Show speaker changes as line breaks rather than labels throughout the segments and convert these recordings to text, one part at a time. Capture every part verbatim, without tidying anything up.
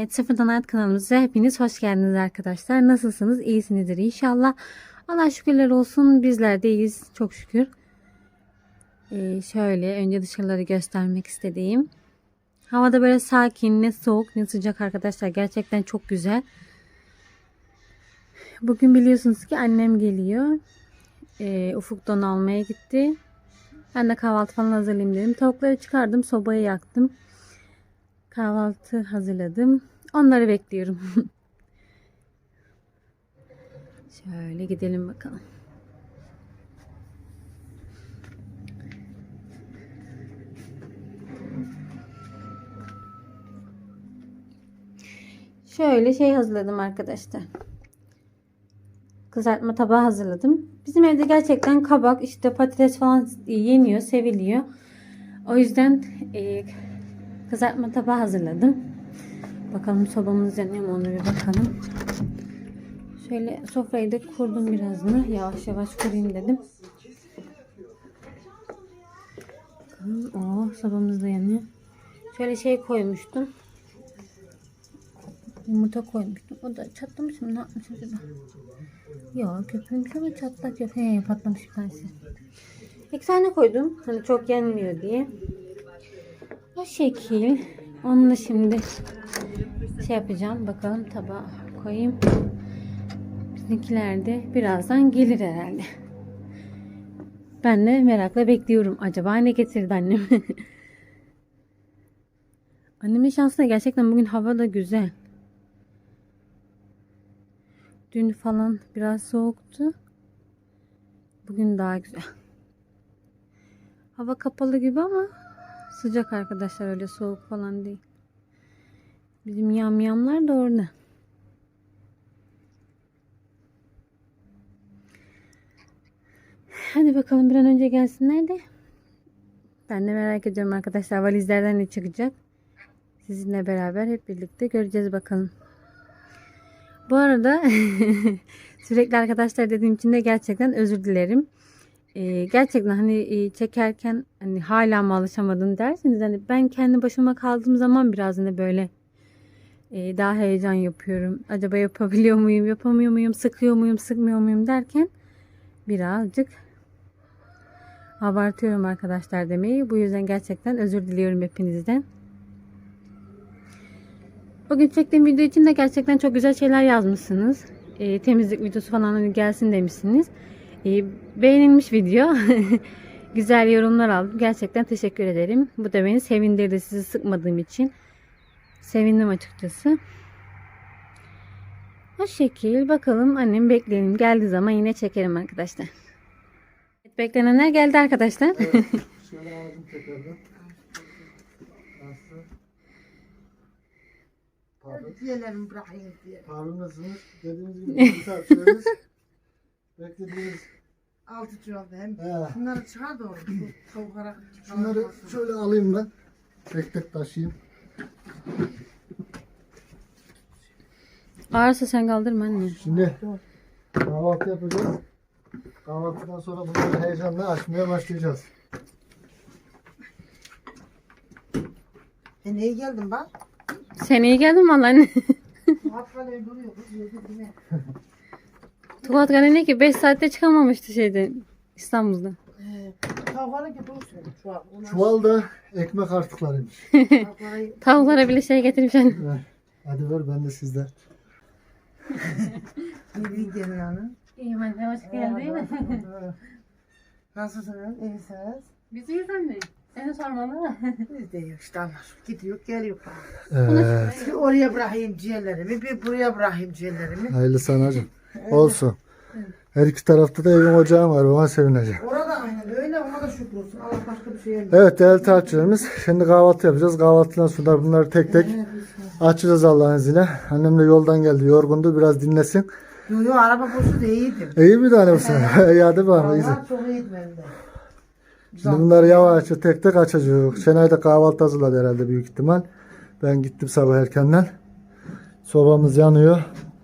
Evet, Sıfırdan Hayat kanalımıza hepiniz hoş geldiniz arkadaşlar. Nasılsınız? İyisinizdir inşallah. Allah şükürler olsun, bizler de iyiyiz çok şükür. Ee, şöyle önce dışarıları göstermek istediğim. Havada böyle sakin, ne soğuk ne sıcak arkadaşlar. Gerçekten çok güzel. Bugün biliyorsunuz ki annem geliyor. Ee, Ufuk don almaya gitti. Ben de kahvaltı falan hazırlayayım dedim. Tavukları çıkardım, sobayı yaktım. Kahvaltı hazırladım. Onları bekliyorum. Şöyle gidelim bakalım. Şöyle şey hazırladım arkadaşlar. Kızartma tabağı hazırladım. Bizim evde gerçekten kabak, işte patates falan yeniyor, seviliyor. O yüzden e, kızartma tabağı hazırladım. Bakalım sobamız yanıyor mu, onu bir bakalım. Şöyle sofrayı da kurdum birazını. Yavaş yavaş kurayım dedim. Bakalım. Oo, sobamız da yanıyor. Şöyle şey koymuştum. Yumurta koymuştum. O da çatlamış mı? Ne yapmış acaba? Yok, köpürmüş ama çatlak yok. He, patlamış bir tanesi. İki tane koydum. Hani çok yenmiyor diye. O şekil. Onu da şimdi şey yapacağım. Bakalım tabağa koyayım. Bizimkiler de birazdan gelir herhalde. Ben de merakla bekliyorum. Acaba ne getirdi annem? Annemin şansına gerçekten bugün hava da güzel. Dün falan biraz soğuktu. Bugün daha güzel. Hava kapalı gibi ama sıcak arkadaşlar, öyle soğuk falan değil. Bizim yamyamlar da orada. Hadi bakalım bir an önce gelsinler de. Ben de merak ediyorum arkadaşlar, valizlerden ne çıkacak. Sizinle beraber hep birlikte göreceğiz bakalım. Bu arada sürekli arkadaşlar dediğim için de gerçekten özür dilerim. Ee, gerçekten hani e, çekerken hani hala mı alışamadın derseniz, hani ben kendi başıma kaldığım zaman biraz hani böyle e, daha heyecan yapıyorum. Acaba yapabiliyor muyum, yapamıyor muyum, sıkıyor muyum, sıkmıyor muyum derken birazcık abartıyorum arkadaşlar demeyi. Bu yüzden gerçekten özür diliyorum hepinizden. Bugün çektiğim video için de gerçekten çok güzel şeyler yazmışsınız. E, temizlik videosu falan hani gelsin demişsiniz. E, beğenilmiş video. Güzel yorumlar aldım. Gerçekten teşekkür ederim. Bu da beni sevindirdi, sizi sıkmadığım için. Sevindim açıkçası. O şekil. Bakalım, annem bekleyelim. Geldiği zaman yine çekerim arkadaşlar. Beklenenler geldi arkadaşlar.
Evet, şöyle aldım tekrardan. Nasıl? Pardon.
Diyelim bırakayım diye.
Pardon, nasılsınız? Dediğimiz gibi bir saat süreriz. Beklediğimiz.
Altı çuvalda hem
He.
şunları çıkar da orada. Tavuklara
Şunları şöyle alayım ben. Tek tek taşıyayım.
Ağırsa sen kaldırma anne.
Şimdi kahvaltı yapacağız. Kahvaltıdan sonra bunları heyecanla açmaya başlayacağız.
E neye geldin bak?
Sen iyi geldin valla anne.
Hatta ne duruyor kız yedi yine.
Tuvat Gale ne ki beş saatte çıkamamıştı şeyden, İstanbul'da.
Ee, Tavuklara ki dursun çuval. Onlar-
Çuval da ekmek artıklarıymış.
Tavuklara
Tavuklara bile şey getirmiş anne.
Ver. Hadi ver, ben de sizde.
iyi gelin hanım.
İyiyim anne, hoş
Nasılsınız? İyisiniz?
Biz iyiyiz anne. Seni sormalı.
Biz de iyi işte Allah. Gidiyor geliyor.
Evet.
Bir oraya bırakayım ciğerlerimi, bir buraya bırakayım ciğerlerimi.
Hayırlı sanacığım. Olsun. Her iki tarafta da evin ocağım var. Ona sevineceğim.
Orada aynen öyle, ona da şükür olsun. Allah başka bir şey vermiyor.
Evet değerli takipçilerimiz. Şimdi kahvaltı yapacağız. Kahvaltıdan sonra bunları tek tek açacağız Allah'ın izniyle. Annem de yoldan geldi. Yorgundu. Biraz dinlesin.
Yo yo, araba boşu da iyiydi.
İyi bir tane bu sene. İyi, hadi bakalım. iyisin.
Vallahi çok iyiydi benim de.
Şimdi bunları yavaşça tek tek açacağız. Şenay da kahvaltı hazırladı herhalde büyük ihtimal. Ben gittim sabah erkenden. Sobamız yanıyor.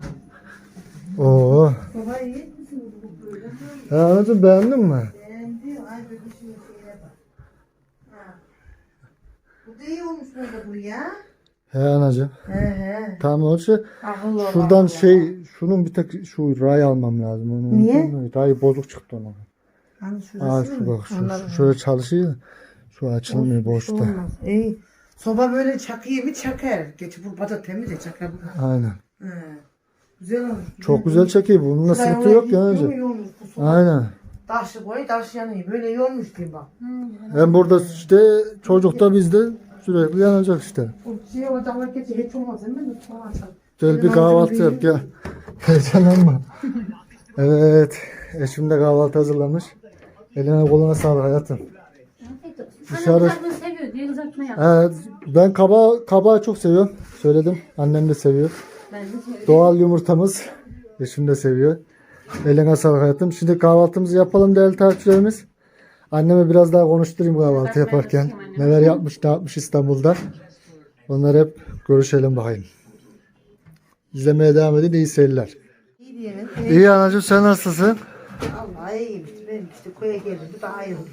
Oo.
Baba iyi misin bu böyle?
Ya anacığım, beğendin mi?
Beğendi. Ay bebişin şeye bak. Ha. Bu da iyi olmuş böyle bu ya.
He anacığım.
He he.
Tamam o şey.
Akıllı ol,
Şuradan
akıllı.
şey şunun bir tek şu ray almam lazım. Onu
Niye?
unuttum da, Ray bozuk çıktı ona.
Hani şurası
Aa
mı?
şu bak şu,
Anladım.
şu şöyle çalışıyor. Şu açılmıyor
Olsun, bir
boşta.
şey olmaz. İyi. Soba böyle çakıyor mu çakar. Geç bu bata temiz de çakar.
Aynen.
He. Güzel olmuş.
Çok güzel çekiyor. Bununla
Şuraya
sıkıntı
oraya
yok ya
gidiyor mu,
anacığım.
iyi olmuş bu soba.
Aynen.
Taşı koy taş yanıyor. Böyle iyi olmuş diyeyim bak.
Hem burada işte çocuk da bizde sürekli yanacak işte.
O şey ocaklar geçe hiç olmaz değil mi? Tamam, açalım.
Gel bir
Benim
kahvaltı
amcam
yap gel. Heyecanlanma. Evet. Eşim de kahvaltı hazırlamış. Eline koluna sağlık hayatım. Dışarı-
Annem kızartma seviyor diye kızartma yap.
Evet, ben kaba kabağı çok seviyorum. Söyledim. Annem de seviyor.
Ben de seviyorum.
Doğal yumurtamız. Eşim de seviyor. Eline sağlık hayatım. Şimdi kahvaltımızı yapalım değerli takipçilerimiz. Anneme biraz daha konuşturayım kahvaltı yaparken. Neler yapmış ne yapmış İstanbul'da. Onları hep görüşelim bakayım. İzlemeye devam edin. İyi seyirler.
İyi diyelim.
İyi anacığım sen nasılsın?
Allah iyiyim işte. Ben işte köye geldim. Bu daha iyi oldu.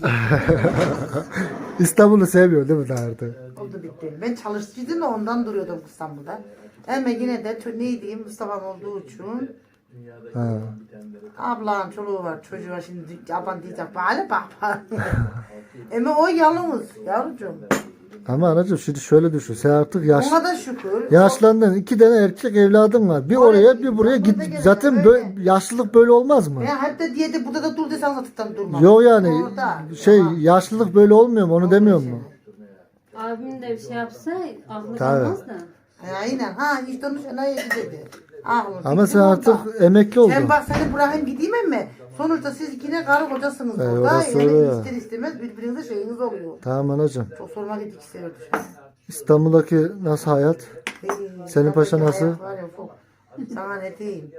İstanbul'u seviyor değil mi daha artık?
Oldu bitti. Ben çalıştıydım da ondan duruyordum İstanbul'da. Ama yine de tö- ne diyeyim Mustafa'm olduğu için
Ha.
ablam çoluğu var çocuğu var şimdi aban diyecek bana bak. Ama o yalnız yavrucuğum.
Ama anacığım şimdi şöyle düşün. Sen artık yaş,
Ona da şükür.
yaşlandın. İki tane erkek evladın var. Bir oraya bir buraya git. Zaten böyle, yaşlılık böyle olmaz mı?
Ya hatta diye de burada da dur desen zaten durmam.
Yok yani
Orada.
şey
Ama-
yaşlılık böyle olmuyor mu onu demiyor mu?
Abim de bir şey yapsa aklı
Tabii.
kalmaz da.
Ya aynen ha hiç dönmüş ne dedi. Aklım.
Ama
fikrim
sen
onda.
artık emekli oldun.
Sen bak seni bırakayım gideyim mi? Sonuçta siz yine karı kocasınız
Ee,
burada.
orası
Yani
öyle.
ister istemez birbirinize şeyiniz oluyor.
Tamam anacığım.
Çok sorma git iki sefer
İstanbul'daki nasıl hayat? Senin paşa nasıl?
Sana ne diyeyim?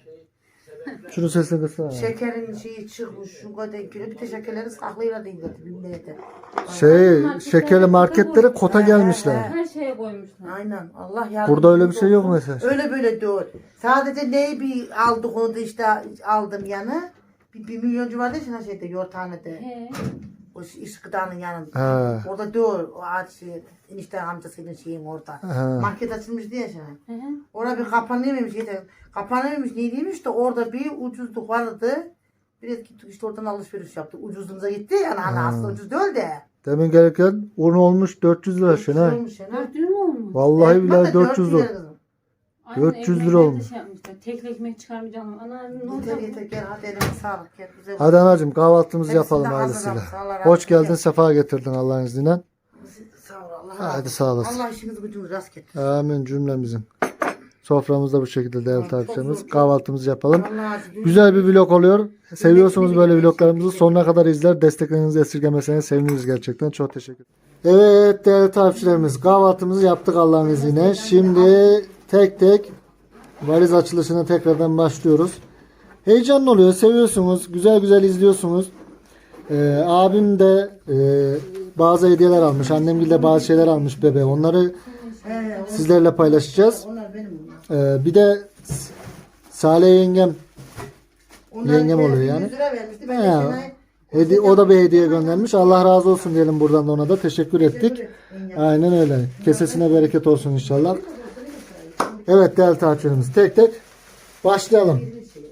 Şunu sesle kısana.
Şekerin şeyi çıkmış şu kadar kilo bir de şekerleri saklıyla değil dedi bilmeydi.
Şey şekerli marketlere kota gelmişler.
Her şeye koymuşlar.
Aynen Allah yardım.
Burada öyle bir şey yok mesela.
Öyle böyle diyor. Sadece neyi bir aldık onu da işte aldım yanı. Bir, bir milyoncu vardı ya şeyde yortanede.
He.
O iş gıdanın yanında.
Ha.
Orada diyor o ağaç şey, enişte amcasının şeyin orada.
Ha.
Market açılmış diye şimdi.
Hı hı.
Orada bir kapanıyormuş. Yeter. Kapanıyormuş ne diyeymiş de orada bir ucuzluk vardı. Biraz gittik işte oradan alışveriş yaptık. Ucuzluğumuza gitti yani hani aslında ucuz değil de.
Demin gelirken un olmuş dört yüz lira Şenay.
Olmuş yani.
dört yüz mü olmuş?
Vallahi
Evet,
billahi
bak da
dört yüz
lira
lira.
kızım.
Aynen,
dört yüz lira
ekmekleri de
olmuş.
Şey yapmışlar. Tek ekmek çıkarmayacağım. Ana ne
Yeter
olacak?
yeter gel hadi elime sağlık. Gel, güzel.
Hadi anacığım kahvaltımızı
Hepsini
yapalım
de
ailesiyle.
hazırlamış, Allah razı
Hoş geldin,
olsun.
sefa getirdin Allah'ın izniyle.
Sağ ol Allah.
Hadi
razı olsun.
sağ olasın.
Allah işinizi gücünüzü rast getirsin.
Amin cümlemizin. Soframızda bu şekilde değerli
Çok
takipçilerimiz.
zor.
Kahvaltımızı yapalım.
Allah razı olsun.
Güzel bir vlog oluyor. Seviyorsunuz böyle vloglarımızı. Sonuna kadar izler. Desteklerinizi esirgemeseniz seviniriz gerçekten. Çok teşekkür ederim. Evet değerli takipçilerimiz. Kahvaltımızı yaptık Allah'ın izniyle. Şimdi tek tek valiz açılışına tekrardan başlıyoruz. Heyecanlı oluyor. Seviyorsunuz. Güzel güzel izliyorsunuz. Ee, abim de e, bazı hediyeler almış. Annem de bazı şeyler almış bebeğe. Onları
He,
sizlerle paylaşacağız.
onlar benim onlar.
Ee, bir de Salih yengem
Onlar
Yengem
bir-
oluyor
bir
yani.
yüz lira vermişti. Ben de
He,
Şenay-
hedi- o da bir hediye göndermiş. Allah razı olsun diyelim buradan da ona da teşekkür ettik. Aynen öyle. Kesesine bereket olsun inşallah. Evet değerli takipçilerimiz tek tek başlayalım.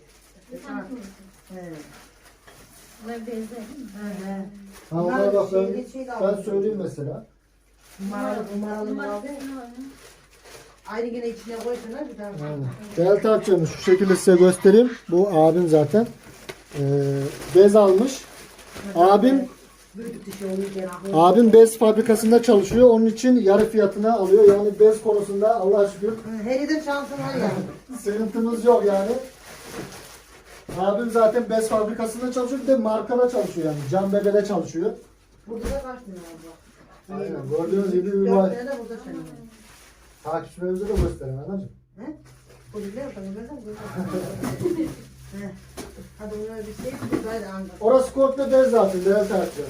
Bunlar benzer.
Ha, ona bak ben, ben söyleyeyim mesela.
Numaralı numaralı numaralı. Aynı yine içine koysunlar bir tane.
Aynen. Değerli takipçilerimiz şu şekilde size göstereyim. Bu abim zaten. Ee, bez almış. Abim
Büyüdük dişi olurken akıllı.
abim bez fabrikasında çalışıyor. Onun için yarı fiyatına alıyor. Yani bez konusunda Allah'a şükür
Her yerden şansın var yani.
sıkıntımız yok yani. Abim zaten bez fabrikasında çalışıyor. Bir de markada çalışıyor yani. Can Bebe'de çalışıyor.
Burada da kaç tane var?
Aynen. Gördüğünüz gibi bir
Dört
var.
tane de burada senin.
Takipçilerimize de gösterin anacığım.
He? Bu güzel mi? Güzel mi? He. Hadi ona bir şey bir böyle anlat.
Orası komple bez zaten. Değerli takipçilerimiz.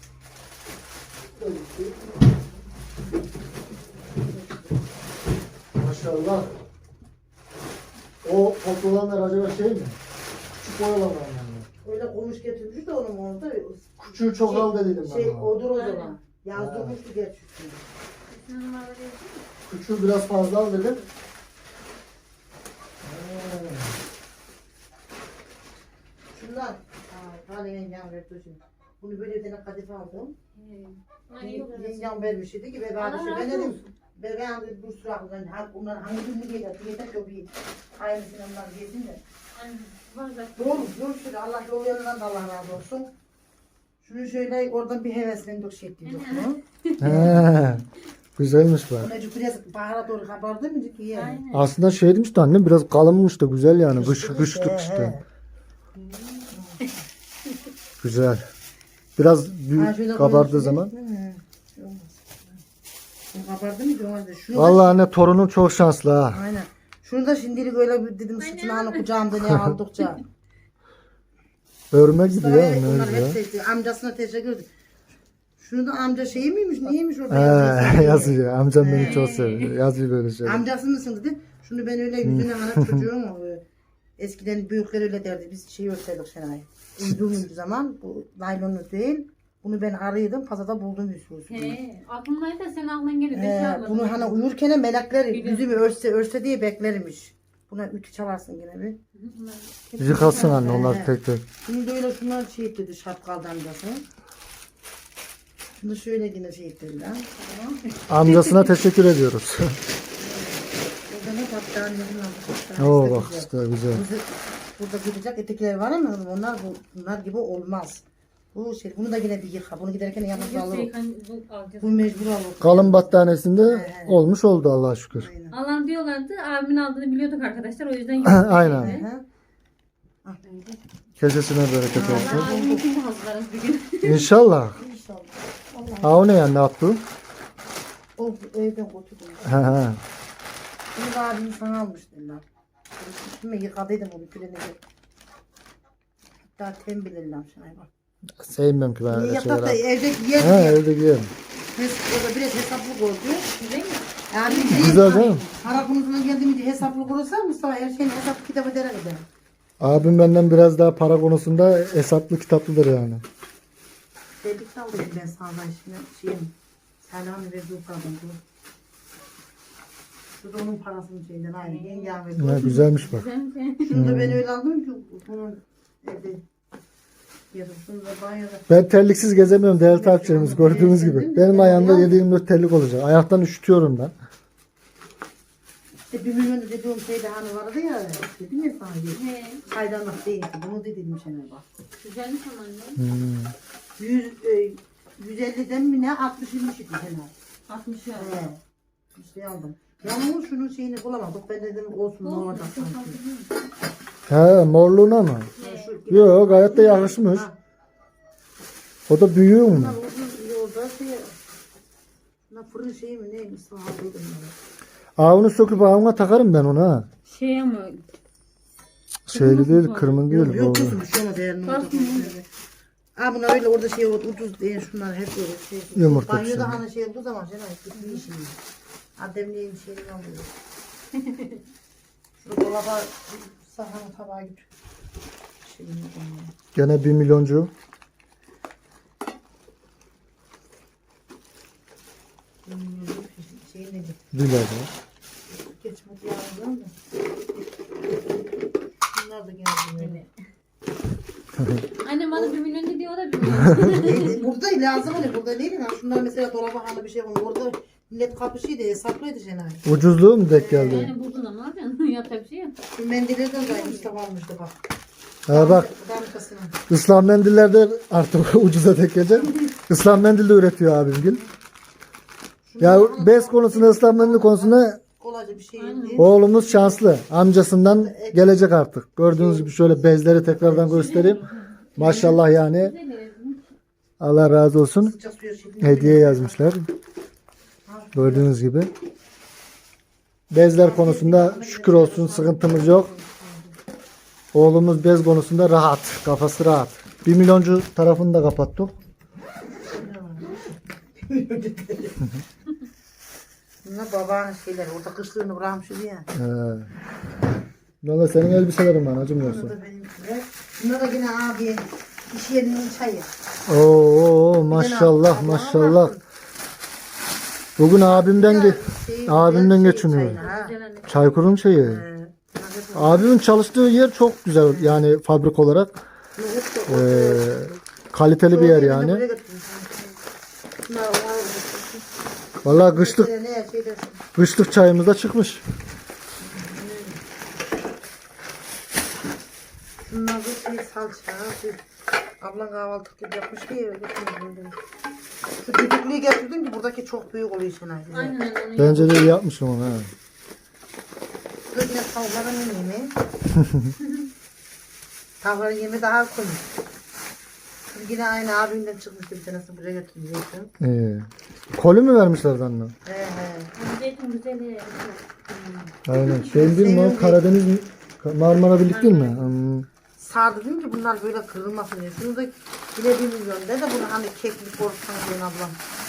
Maşallah. O toplayanlar acaba şey mi? Küçük oyalanlar yani.
Öyle konuş getirmiş de onun orada.
Küçüğü çok al dediydim ben
Şey
ona.
odur o zaman. Yazdırmıştı geç üstüne.
Numaraları yazıyor mu?
Küçüğü biraz fazla al dedim.
Şunlar. Aa, hadi yengem verdi şimdi. Bunu böyle bir tane kadife aldım. Yengem vermiş dedi ki be kardeşim ben dedim. Ben ben dedim bu sıra aklımdan bunlar hangi birini giyecek? Yeter ki o bir aynısını onlar giysin de. Doğru, doğru şöyle Allah yol yanından da Allah razı olsun. Şunu şöyle oradan bir heveslendik şey ettik mu?
He, güzelmiş bu.
Necip biraz bahara doğru kabardı mı ki ya?
Aslında şey demiş de annem biraz kalınmış da güzel yani. Kış, kışlık işte. Güzel. Biraz
Ha,
büyük
şöyle
kabardığı
koyayım
zaman.
şöyle. Hı, şey olmaz. Bu kabardı mı ki olmaz da. Şunu da-
Vallahi anne torunum çok şanslı ha.
Aynen. Şunu da şimdilik öyle bir dedim sıçını hani kucağımda ne aldıkça.
Örme gibi ya.
Sonra
Ne
bunlar
güzel.
hep dedi. Amcasına teşekkür ederim. Şunu da amca şey miymiş neymiş o
He,
beyaz
yazıyor. Amcam beni çok seviyor. Yazıyor böyle şeyler.
Amcası mısın dedi. Şunu ben öyle yüzüne hani çocuğum o, e, eskiden büyükler öyle derdi. Biz şey örterdik Şenay. Uyduğumuz zaman bu naylonlu değil. Bunu ben arıyordum. Pazarda buldum Yusuf'u.
He, aklımdaydı da sen aklına geliyor.
Ee, bunu hani uyurken melekler yüzümü örse örse diye beklermiş. Buna ütü çalarsın yine bir.
Yıkasın anne onlar tek tek.
Bunu da öyle şunlar şey etti şapkalı amcası. Şunu şöyle yine şey ettiler. Tamam.
Amcasına teşekkür ediyoruz.
Burada ne tatlı annemle
Oo bak işte güzel.
Burada gidecek etekler var ama onlar bu, bunlar gibi olmaz. Bu şey bunu da yine bir yıka. Bunu giderken yalnız alırım. Bu mecbur alır.
Kalın battanesinde olmuş oldu Allah'a şükür.
Aynen.
Alan diyorlardı. Abimin aldığını biliyorduk arkadaşlar. O yüzden
Aynen.
Aha.
Kesesine bereket olsun.
Abiminkini de hazırlarız bir gün.
İnşallah.
İnşallah.
Ha o ne yani ne yaptı?
O evden götürdüm.
He he.
Bunu da abim sana almış dediler. Üstüme yıkadıydım onu külene. Hatta tembilirler şuna bak.
Sevmiyorum ki ben öyle
Yatakta
şeyler.
evde
He
yer
evde giyerim.
Orada biraz hesaplı oldu.
Güzel mi?
Yani
Güzel değil mi?
Para konusuna geldiğimde hesaplı olursa Mustafa her şeyin hesap kitabı dere eder.
Abim benden biraz daha para konusunda hesaplı kitaplıdır yani.
Dedik de aldım ben sağdan şimdi şeyim. Selamı verdi yukarıdan. Şu da onun parasının şeyinden aynı. Yengem verdi.
Ha, güzelmiş bak.
Güzel mi?
Şunu da ben öyle aldım ki bunun evde yarım. Şunu da banyoda.
Ben terliksiz gezemiyorum değerli takipçilerimiz gördüğünüz gibi. Benim ayağımda yedi yirmi dört terlik olacak. Ayaktan üşütüyorum ben.
İşte bir milyon dediğim şeyde hani vardı ya. Dedim ya sana diye.
He,
Çaydanlık değildi. Bunu dedim sana bak.
güzelmiş ama anne.
Hmm.
yüz, e, yüz elliden mi ne altmış yirmi idi sana.
altmış ya.
He. İşte aldım. Yalnız şunun şeyini bulamadık. Ben dedim olsun ne olacak sanki.
He morluğuna mı?
Şu-
Yok gayet de yakışmış.
Ha,
O da büyüğü mü?
bunlar uzun yolda şey. Bunlar fırın şeyi mi neymiş sana aldıydım ben.
Aa onu söküp ağına takarım ben onu ha.
Şey ama
Şeyli değil kırmızı değil.
Yok yok
bu.
kızım şu ana değerli olacak. Aa bunlar öyle orada şey ucuz değil şunlar hep böyle şey.
Yumurta
Banyoda
pişirme.
hani şey olduğu zaman Cenay bir işim. Ademliğin şeyini alıyor. Şu dolaba sahanı tabağa git. Şeyini koyuyor.
Gene bir milyoncu.
Şeyini git.
Bilader.
Geç mutlu yavrum da. Bunlar da geldi böyle.
annem bana bir milyon ne diyor o da bir milyon.
E, burada lazım hani burada değil mi? Şunlar mesela dolaba hani bir şey var. Orada millet kapışıydı hesaplıydı Cenay.
Ucuzluğu mu denk geldi?
Yani buldun ama ne yapacaksın? Yapacak bir şey yok.
Şu mendillerden de Mustafa almıştı bak.
Ha bak
Damkasını.
ıslah mendillerde artık ucuza tek gelecek. Islah mendil de üretiyor abimgil. Ya bez konusunda ıslah mendil konusunda
Kolayca bir şey değil.
oğlumuz şanslı. Amcasından gelecek artık. Gördüğünüz gibi şöyle bezleri tekrardan göstereyim. Maşallah yani. Allah razı olsun.
Sıcak suya şey.
Hediye yazmışlar. Gördüğünüz gibi. Bezler konusunda şükür olsun sıkıntımız yok. Oğlumuz bez konusunda rahat. Kafası rahat. Bir milyoncu tarafını da kapattık.
Bunlar babanın şeyleri. Orada kışlığını bırakmıştı ya.
He. Valla senin elbiselerin var acımıyorsun.
Bunlar da benimkiler. Bunlar da yine abi iş yerinin çayı.
Oo maşallah maşallah. Bugün abimden ge
Şey,
abimden
şey,
geçiniyor.
çayını, ha.
Güzel anne.
Çaykur'un şeyi.
Ee,
Abimin çalıştığı yer çok güzel yani fabrik olarak
nohut da-
eee, kaliteli bir yer
Çoğu yerine
yani.
buraya götürdüm. Şunlar ona-
Vallahi kışlık
Ne, ne, şey dersin.
kışlık çayımız da çıkmış.
Şunlar da şey salça. Şey, ablan kahvaltı gibi yapmış ki eve getirdim. Şu düdüklüyü getirdim ki buradaki çok büyük oluyor Şenay.
Aynen onu
Bence de iyi yapmışım onu. He.
Kız yine tavukların yemeği. Tavukların yemeği daha komik. Şimdi yine aynı abimden çıkmıştı bir tanesi buraya götürecektim.
İyi. Kolü mü vermişlerdi anne?
He he.
zeytin güzeli.
Aynen. Şey değil mi o? Karadeniz mi? Marmara Birlik değil mi? Hmm.
Sardı dedim ki bunlar böyle kırılmasın diye. Şunu da yine bir milyon de de bunu hani keklik korksan diyen ablam.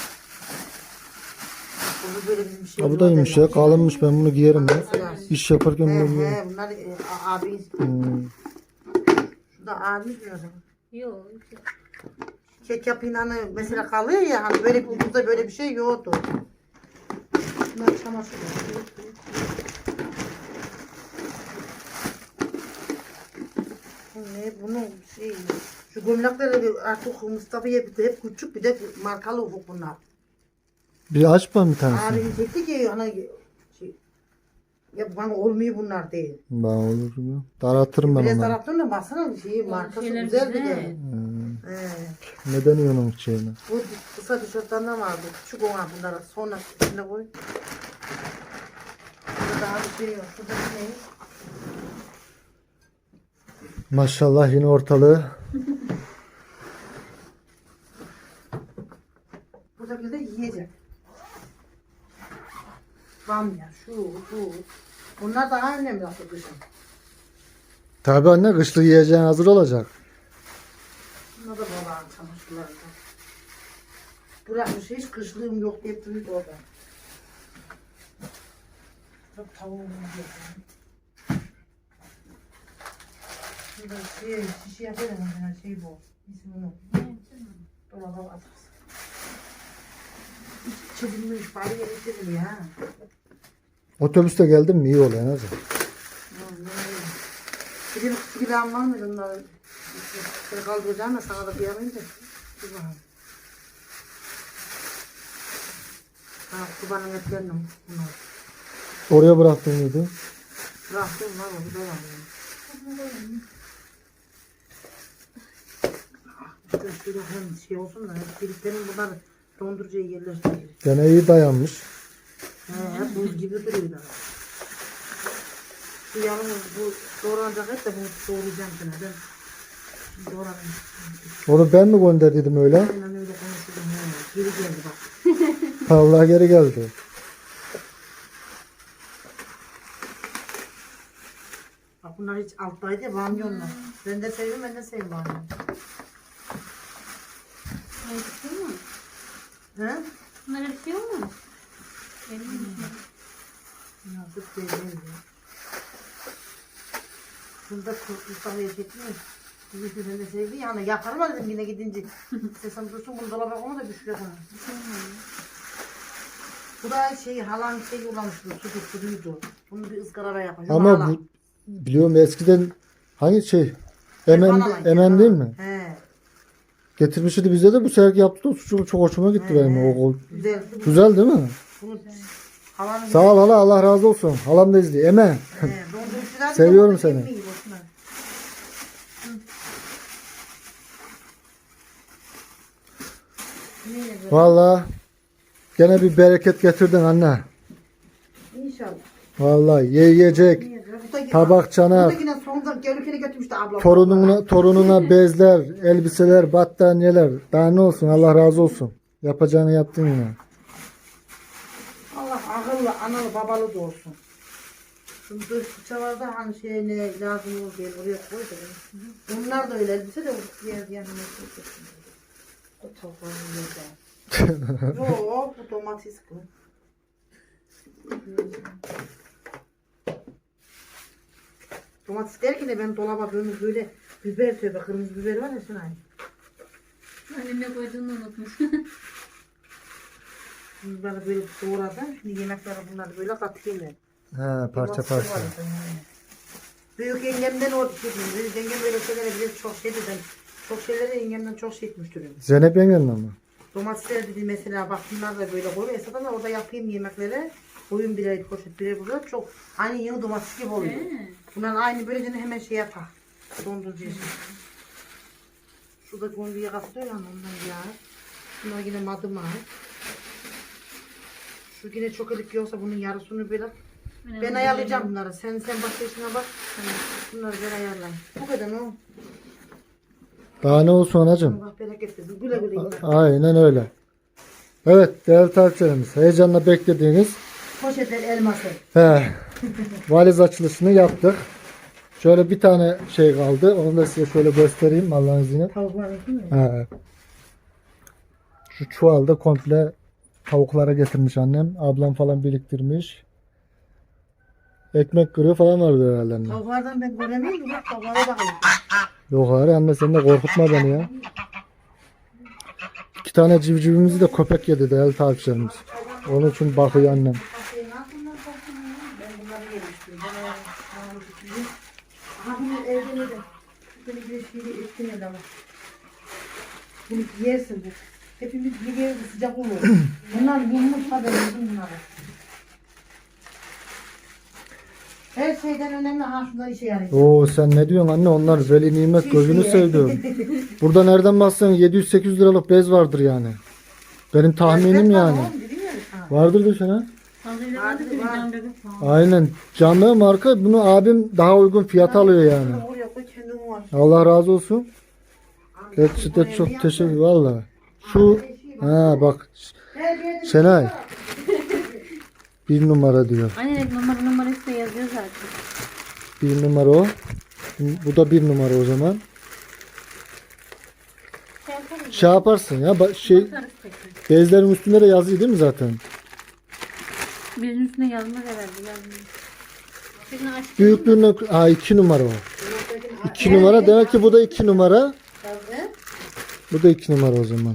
Bu böyle bizim şey.
Ha, bu da iyiymiş ya. Kalınmış, ben bunu giyerim ya. İş yaparken
He
bunu giyerim.
he bunlar e, a- abi.
Hmm.
Şu da abi diyor.
Yok.
Kek yapayım hani mesela kalıyor ya hani böyle burada böyle bir şey yoktu. Bunlar çamaşır. Bu ne bunun şey şu gömlekleri artık Mustafa'ya bir de hep küçük bir de markalı ufuk bunlar.
Bir aç bana bir tanesini.
Abim dedi ki hani şey, ya bana olmuyor bunlar değil.
Ben olur mu? Daraltırım ben
Biraz
onları.
taraftan da baksana şeyi markası
şeyler
güzel bir de.
güzel.
Hmm.
He.
Neden yiyorsun onun şeyini?
Bu kısa tişörtlerden vardı. Küçük ona bunlara sonra içine koy. Burada daha bir şey yok. Burada ne?
Maşallah yine ortalığı.
Buradakiler de yiyecek. Bamya, şu, bu. Bunlar daha önemli aslında kışın.
Tabii anne, kışlık yiyeceğin hazır olacak.
Bunlar da babağın çamaşırları. Bırakmış hiç kışlığım yok deyip duruyordu orada. Bak tavuğum yok. Şurada şey, şişe yapıyorum ben şey bu. İsmi onu. Dolaba atarsın. Hiç çizilmiş, bari yere ya.
Otobüste geldim mi iyi oluyor en azından.
Bir de küçük ilahım var mıydı onları? Seni kaldıracağım da sana da bir yapayım da. Dur bakalım. Ha, kubanın etlerini bunlar.
Oraya bıraktın mıydı?
Bıraktım var mı? Bu da var. Yani. İşte şöyle hem şey olsun da hep birliklerin bunlar dondurucuya yerleştirir.
Gene iyi dayanmış.
He, hep buz gibi duruyorlar. Şu yalnız bu doğranacak et de bunu doğrayacağım sana. Ben şimdi doğranayım.
Onu ben mi gönderdiydim öyle?
Aynen öyle konuşurdum. He, geri geldi bak.
Allah geri geldi.
Bak bunlar hiç alttaydı ya bamyonlar. Ben de seviyorum, ben de seviyorum bamyon.
Acıkıyor mu?
He?
Bunlar acıkıyor mu?
Yazık değil mi? Şunda Mustafa'ya çekmiyor. Bizi ben de sevdi yani yaparım dedim yine gidince. Sesem dursun bunu dolaba koyma da düşüre koyma. Bu da şey halan şey yollamıştı, su tutturuydu. Bunu bir ızgarada yapacağım.
Ama bu, biliyorum eskiden hangi şey? Emen, emen değil mi?
He.
Getirmişti bize de, bu sefer yaptı da sucuk çok hoşuma gitti benim. O, o-
Güzel.
güzel değil mi?
Bunu halanın
Sağ ol hala, Allah razı olsun. Halam da izliyor. Emen.
He, dondurucular
Seviyorum
da
seni.
yemeği boşuna. Hı. Neyle böyle?
Vallahi gene bir bereket getirdin anne.
İnşallah.
Vallahi ye yiyecek.
Buradaki-
Tabak, çanak.
Buradakine sonunda gelirken götürmüştü ablam.
Torununa, torununa bezler, elbiseler, battaniyeler. Daha ne olsun, Allah razı olsun. Yapacağını yaptın yine.
Allah akıllı, analı, babalı da olsun. Şimdi dış fırçalarda hani şey ne lazım olur diye buraya koy da. Bunlar da öyle elbise de diğer yanına koyacaksın. O tavukların yerde. Yok, bu domates bu. Domates derken de ben dolaba böyle böyle biber tövbe kırmızı biber var ya şuna.
Annem ne koyduğunu unutmuş.
Bunları böyle doğradım. Şimdi yemekleri bunları böyle katayım ben.
He, parça parça.
Büyük yengemden o büyük yengem böyle şeylere biraz çok şey dedim. Çok şeylere yengemden çok şey etmiştir.
Zeynep yengenle mi?
Domatesler dedi mesela bak bunlar da böyle koyuyor. Esasında orada yapayım yemekleri. Koyun birer poşet birer burada çok aynı yeni domates gibi oluyor. Bunlar aynı böyle hemen şey yapar. Dondurucu için. Şurada gonduya katlıyor ya ondan ya. Bunlar yine madıma. Şu yine çok elik yoksa bunun yarısını böyle ben ayarlayacağım bunları. Sen sen başka işine bak. Bunları ben ayarlayayım. Bu kadar mı?
Daha ne olsun anacığım?
Allah bereket versin. Güle güle. yiyin.
Aynen öyle. Evet değerli takipçilerimiz, heyecanla beklediğiniz
Poşetler elması.
he, valiz açılışını yaptık. Şöyle bir tane şey kaldı. Onu da size şöyle göstereyim Allah'ın izniyle.
Tavuklar değil mi?
He. Şu çuvalda komple tavuklara getirmiş annem. Ablam falan biriktirmiş. Ekmek kırığı falan vardı herhalde anne.
Tavuklardan ben göremiyorum. Bak tavuklara bakayım.
Yok hayır anne sen de korkutma beni ya. İki tane civcivimizi de köpek yedi değerli takipçilerimiz. Onun için bakıyor annem.
Ben bunları yemiştim. Ben ayağımı tutayım. Aha bunu evde yedim. Bunu bir şeyle etkin el ama. Bunu yersin bu. Hepimiz bir yerde sıcak olur. Bunlar yummuş haberimizin bunları. Her şeyden önemli ha şunlar işe yarayacak.
Oo sen ne diyorsun anne, onlar veli nimet gözünü sevdiğim. Burada nereden baksan yedi yüz sekiz yüz liralık bez vardır yani. Benim tahminim yani. Vardır desene. Aynen. Canlı marka, bunu abim daha uygun fiyata alıyor yani. Allah razı olsun. Gerçekten çok teşekkür valla. Şu ha bak Şenay bir numara diyor.
Aynen numara numarası da yazıyor zaten.
Bir numara o. Bu da bir numara o zaman.
Şey yaparız.
Şey yaparsın ya ba- şey
Bakarız tekrar.
bezlerin üstünde de yazıyor değil mi zaten?
Birinin üstüne yazmaz herhalde. Yazmıyor. Birini açtık.
Büyüklüğüne ha iki numara o. iki numara demek ki bu da iki numara. Bu da iki numara o zaman.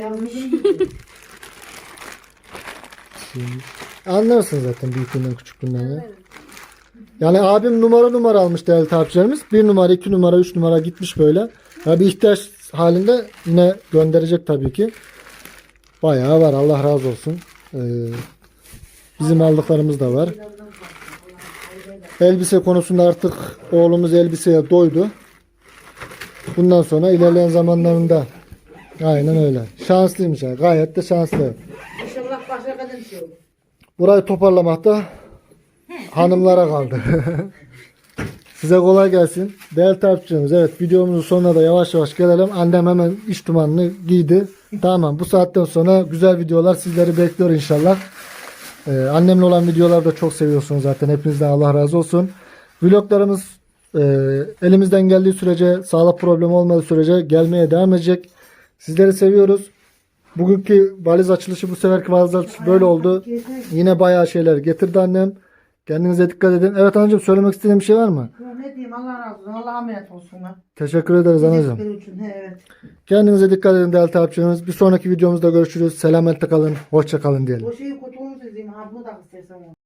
Anlarsın zaten büyüklüğünden küçüklüğünden ya. Yani abim numara numara almış değerli takipçilerimiz. Bir numara, iki numara, üç numara gitmiş böyle. Ya bir ihtiyaç halinde yine gönderecek tabii ki. Bayağı var, Allah razı olsun. Ee, bizim aldıklarımız da var. Elbise konusunda artık oğlumuz elbiseye doydu. Bundan sonra ilerleyen zamanlarında aynen öyle. Şanslıymış yani. Gayet de şanslı.
İnşallah başka kadın şey olur.
Burayı toparlamak da hanımlara kaldı. Size kolay gelsin. Değerli takipçilerimiz, evet videomuzun sonuna da yavaş yavaş gelelim. Annem hemen iç dumanını giydi. Tamam, bu saatten sonra güzel videolar sizleri bekliyor inşallah. Ee, annemle olan videoları da çok seviyorsunuz zaten. Hepinizden Allah razı olsun. Vloglarımız e, elimizden geldiği sürece, sağlık problemi olmadığı sürece gelmeye devam edecek. Sizleri seviyoruz. Bugünkü valiz açılışı, bu seferki valiz açılışı böyle oldu. Yine bayağı şeyler getirdi annem. Kendinize dikkat edin. Evet anneciğim, söylemek istediğin bir şey var mı?
Ya ne diyeyim, Allah razı olsun. Allah'a emanet olsunlar.
Teşekkür ederiz anneciğim.
Benim için, he, evet.
Kendinize dikkat edin değerli takipçilerimiz. Bir sonraki videomuzda görüşürüz. Selametle kalın. Hoşça kalın diyelim.
O şeyi kutumu diyeyim. Ha bunu da istersen.